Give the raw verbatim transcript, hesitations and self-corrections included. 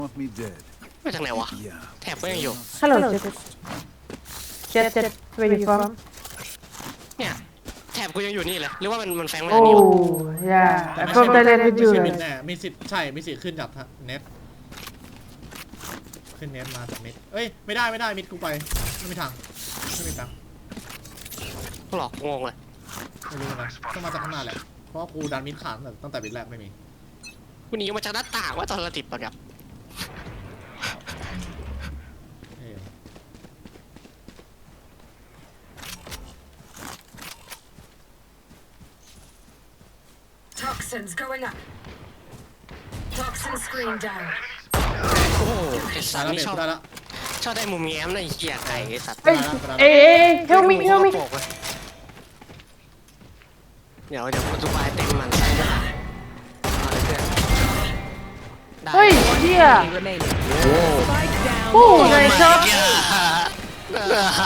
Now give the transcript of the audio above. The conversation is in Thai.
Want me dead? มาจากไหนวะ Yeah. แถบก็ยังอยู่ Hello, Jet. Jet, Jet, where you from? เนี่ยแถบกูยังอยู่นี่เลยหรือว่ามันมันแฝงมาทางนี้วะ Oh, yeah. แต่ I'm ไม่ from ใช่ Thailand ไม่ with ใช่ you. มิดแน่มีสิทธิ์ใช่มีสิทธิ์ขึ้นจากเน็ตขึ้นเน็ตมาจากมิดเอ้ยไม่ได้ไม่ได้มิดกูไปไม่มีทางไม่มีทางหลอกงงเลยไม่รู้นะต้องมาจากข้างหน้าแหละเพราะว่ากูดันมิดขาดตั้งแต่มิดแรกไม่มีกูหนีมาจากหน้าต่างว่าตอนเราติดปะครับเอ้ย Toxins going up. Toxin screen down. โอ้โหไอสัได้ตว์แล้วนี่เน็ตชอบได้แล้วชอบได้มุมแง้มนะไอ้เหี้ยไก่ไอสัตว์ Hey, hey, hey, help me, help me. เดี๋ยวเดี๋ยวกูจะไปเต็มมันใส่ด้วยเอาเลยเพื่อนได้ Hey, yeah. remaining. Oh, nice job.